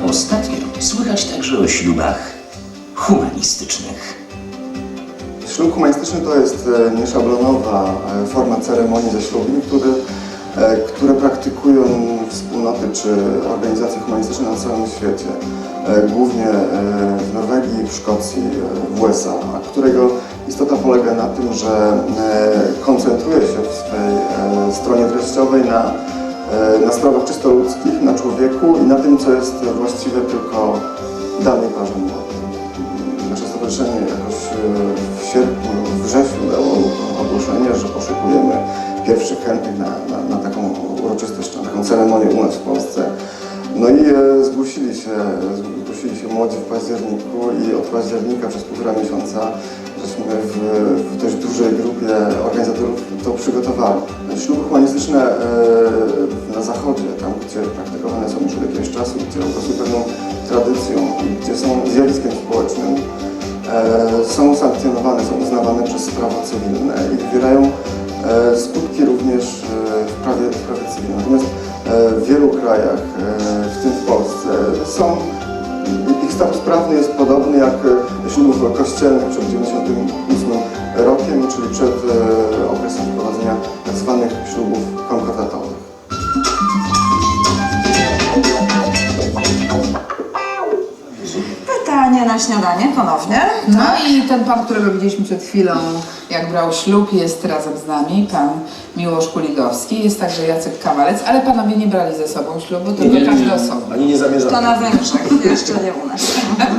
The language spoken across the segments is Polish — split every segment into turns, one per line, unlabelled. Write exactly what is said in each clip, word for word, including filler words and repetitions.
Ostatnio słychać także o ślubach humanistycznych.
Ślub humanistyczny to jest nieszablonowa forma ceremonii zaślubin, które, które praktykują wspólnoty czy organizacje humanistyczne na całym świecie. Głównie w Norwegii, w Szkocji, w U S A, a którego istota polega na tym, że koncentruje się w swej stronie treściowej na, na sprawach czysto ludzkich, na człowieku i na tym, co jest właściwe tylko danej parze młodej. Nasze stowarzyszenie jakoś w sierpniu, w wrześniu dało ogłoszenie, że poszukujemy pierwszych chętnych na, na, na taką uroczystość, na taką ceremonię u nas w Polsce. No i e, zgłosili się, zgłosili się młodzi w październiku i od października przez półtora miesiąca żeśmy w, w dość dużej grupie organizatorów to przygotowali. Śluby humanistyczne e, na zachodzie, tam gdzie praktykowane są już od jakiegoś czasu, gdzie obrośły pewną tradycją i gdzie są zjawiskiem społecznym, e, są sankcjonowane, są uznawane przez prawo cywilne i wywierają e, skutki również e, w prawie, w prawie cywilnym. Natomiast w wielu krajach, w tym w Polsce, są, ich status prawny jest podobny jak ślubów kościelnych przed dziewięćdziesiątym ósmym rokiem, czyli przed okresem wprowadzenia tzw. ślubów konkordatowych.
Pytanie na śniadanie ponownie.
No i ten pan, którego widzieliśmy przed chwilą, jak brał ślub, jest razem z nami, pan Miłosz Kuligowski, jest także Jacek Kamalec, ale panowie nie brali ze sobą ślubu, tylko
nie,
każdy
nie,
osobno.
Ani nie zamierzamy.
To na Węgrzech, jeszcze nie u nas.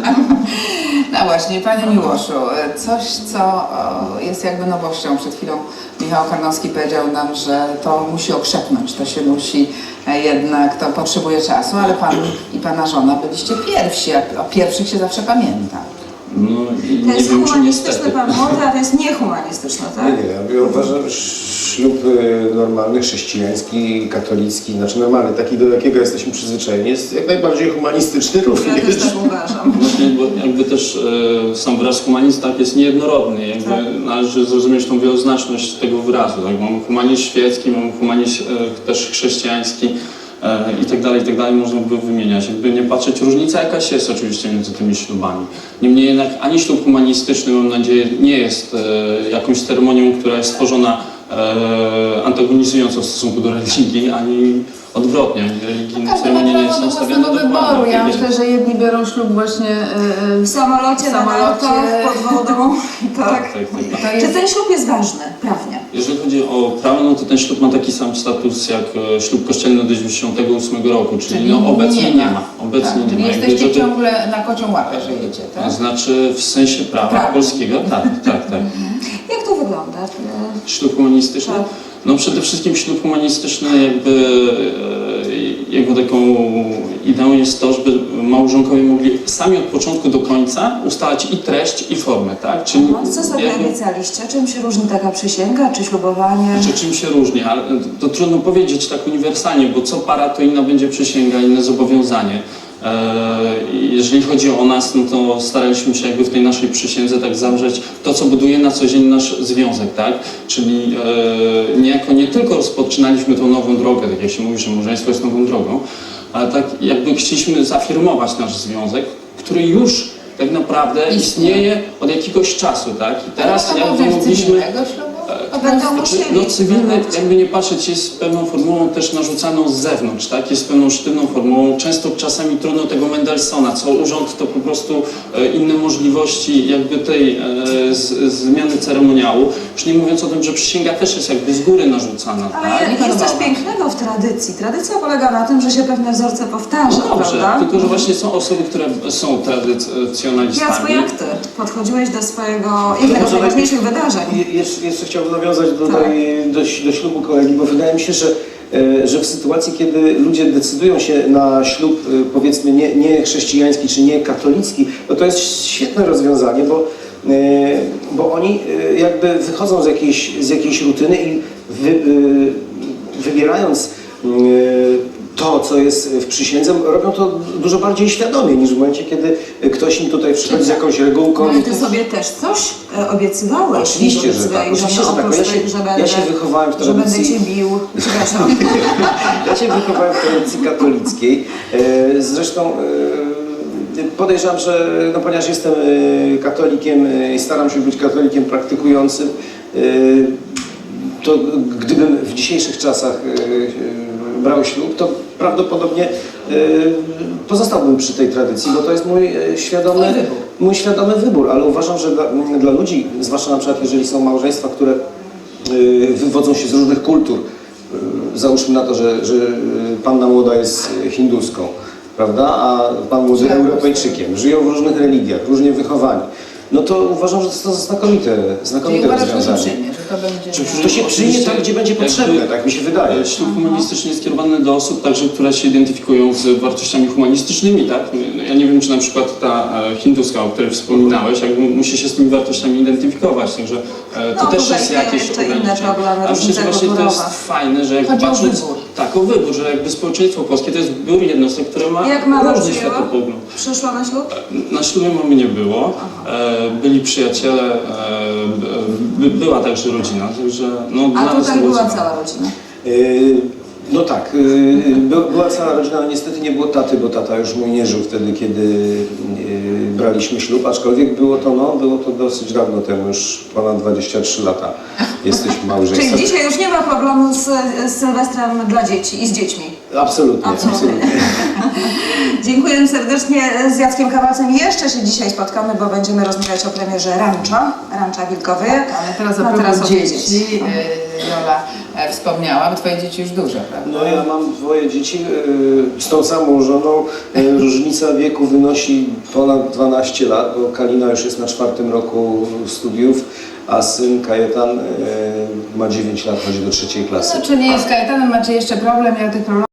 No właśnie, panie Miłoszu, coś co o, jest jakby nowością. Przed chwilą Michał Karnowski powiedział nam, że to musi okrzepnąć, to się musi e, jednak, to potrzebuje czasu, ale pan i pana żona byliście pierwsi, a o pierwszych się zawsze pamięta.
No, i
To
nie
jest
wiem, czy
humanistyczny
niestety.
pan młody, a to jest niehumanistyczny, tak?
Nie, nie, ja uważam, że ślub y, normalny, chrześcijański, katolicki, znaczy normalny, taki do jakiego jesteśmy przyzwyczajeni, jest jak najbardziej humanistyczny
Ja
również.
też tak uważam.
Właśnie, bo jakby też e, sam wyraz humanizm tak jest niejednorodny, jakby
Tak.
należy zrozumieć tą wieloznaczność tego wyrazu. Tak? Mamy humanizm świecki, mamy humanizm e, też chrześcijański e, i tak dalej, i tak dalej, można by wymieniać. Jakby nie patrzeć, różnica jakaś jest oczywiście między tymi ślubami. Niemniej jednak ani ślub humanistyczny, mam nadzieję, nie jest e, jakąś ceremonią, która jest stworzona e, antagonizująco w stosunku do religii, ani odwrotnie, ani religijne
Każdy ma
ceremonie nie
prawo
są
do
stawiane
własnego
dokładnie.
wyboru. Ja
Tak
myślę,
jest.
że jedni biorą ślub właśnie e,
W samolocie,
W
na
samolocie.
nartach, pod wodą, tak.
Tak, tak, tak.
to
Czy
jest...
ten ślub jest ważny, prawnie?
Jeżeli chodzi o prawo, no to ten ślub ma taki sam status jak e, ślub kościelny do dziewięćdziesiątego ósmego roku, czyli,
Czyli
no obecnie
nie
nie
ma.
ma. Obecnie
tak,
nie
czyli
ma. Jakby,
jesteście
żeby-
ciągle na kocią łapę żyjecie,
To
tak?
znaczy w sensie prawa
Prawa.
polskiego, tak, tak, tak.
Jak to wygląda?
Ślub humanistyczny?
Tak.
No przede wszystkim ślub humanistyczny jakby e, jego taką ideą jest to, żeby małżonkowie mogli sami od początku do końca ustalać i treść, i formę, tak? Czyli
No, co sobie
jakby-
obiecaliście? Czym się różni taka przysięga, czy ślubowanie?
Czy czym się różni, ale to trudno powiedzieć tak uniwersalnie, bo co para to inna będzie przysięga, inne zobowiązanie. Eee, Jeżeli chodzi o nas, no to staraliśmy się jakby w tej naszej przysiędze tak zawrzeć to, co buduje na co dzień nasz związek, tak? Czyli e, niejako nie tylko rozpoczynaliśmy tą nową drogę, tak jak się mówi, że małżeństwo jest nową drogą, ale tak jakby chcieliśmy zafirmować nasz związek, który już tak naprawdę istnieje od jakiegoś czasu, tak? I teraz
Ale to
jakby
może
mogliśmy...
cywilnego ślubu?
To będą
Znaczy,
musieli.
no cywilny,
wybrać.
jakby nie patrzeć, jest pewną formułą też narzucaną z zewnątrz, tak? Jest pewną sztywną formułą, często czasami trudno tego Mendelssohna, co urząd to po prostu e, inne możliwości jakby tej e, z, zmiany ceremoniału, już nie mówiąc o tym, że przysięga też jest jakby z góry narzucana,
Ale
tak?
jest, jest coś pięknego w tradycji. Tradycja polega na tym, że się pewne wzorce powtarza,
No dobrze,
prawda?
tylko że właśnie są osoby, które są tradycjonalistami.
Jacku, jak ty podchodziłeś do swojego jednego z
Może
najważniejszych wydarzeń?
Je- Jeszcze, jeszcze chciałbym nawiązać do, tej, do, do ślubu kolegi, bo wydaje mi się, że, e, że w sytuacji, kiedy ludzie decydują się na ślub, e, powiedzmy, nie, nie chrześcijański czy nie katolicki, no to jest świetne rozwiązanie, bo, e, bo oni e, jakby wychodzą z jakiejś, z jakiejś rutyny i wy, e, wybierając e, to, co jest w przysiędze, robią to dużo bardziej świadomie niż w momencie, kiedy ktoś im tutaj przychodzi z jakąś regułką.
Ale ty sobie też coś e, obiecywałeś.
Oczywiście, że
Obiecywałeś,
tak. Oczywiście, że tak.
oprócz
Ja się-
tego, że
ja
będę-
się wychowałem w
Że będę
tradycji-
cię bił. Przepraszam.
Ja się wychowałem w tradycji katolickiej. E, Zresztą e, podejrzewam, że no, ponieważ jestem e, katolikiem e, i staram się być katolikiem praktykującym, e, to gdybym w dzisiejszych czasach e, brał ślub, to prawdopodobnie e, pozostałbym przy tej tradycji, bo to jest mój e, świadomy,
Twój wybór.
mój świadomy wybór, ale uważam, że dla, dla ludzi, zwłaszcza na przykład jeżeli są małżeństwa, które e, wywodzą się z różnych kultur, załóżmy na to, że, że panna młoda jest hinduską, prawda, a pan młody
Tak.
Europejczykiem, żyją w różnych religiach, różnie wychowani, no to uważam, że to jest to znakomite,
Czyli
znakomite
uważasz, że to się
rozwiązanie.
przyjmie, że to będzie...
To się przyjmie tam, gdzie będzie
Jakby-
potrzebne, tak mi się wydaje.
Ślub humanistyczny jest kierowany do osób także, które się identyfikują z wartościami humanistycznymi, tak? No, ja nie wiem, czy na przykład ta e, hinduska, o której wspominałeś, jakby musi się z tymi wartościami identyfikować, także e, to
No,
też
tutaj
jest
jeszcze
jakieś
inne
ograniczenie.
problemy,
A przecież
różnice
właśnie to jest
kulturowe.
fajne, że jakby
Chodzi o
patrząc...
wybór.
Tak, o wybór, że jakby społeczeństwo polskie to jest zbiór jednostek, które ma
Jak mama
różny
przyjęła?
światopogląd.
Przyszła na ślub?
Na ślubie mamy nie było, e, byli przyjaciele, e, by, była także rodzina, także no
A
dla nas
tutaj
było
była
ciekawe.
cała rodzina.
Yy, No tak, yy, by- była cała rodzina, ale niestety nie było taty, bo tata już mój nie żył wtedy, kiedy yy, braliśmy ślub, aczkolwiek było to, no, było to dosyć dawno temu, już ponad dwadzieścia trzy lata jesteśmy małżeństwem.
Czyli dzisiaj już nie ma problemu z, z Sylwestrem dla dzieci i z dziećmi.
Absolutnie,
Absolutnie.
absolutnie.
Dziękuję serdecznie. Z Jackiem Kawalcem jeszcze się dzisiaj spotkamy, bo będziemy rozmawiać o premierze Rancza, Rancza Wilkowy.
Ale teraz a
No, teraz
propos
o
dzieci,
dzieci.
e, Jola e, wspomniała, bo twoje dzieci już duże, prawda?
No ja mam dwoje dzieci yy, z tą samą żoną. Yy, różnica wieku wynosi ponad dwanaście lat, bo Kalina już jest na czwartym roku studiów, a syn Kajetan yy, ma dziewięć lat, chodzi do trzeciej klasy.
No, czy nie jest Kajetanem, macie jeszcze problem, ja tych problemów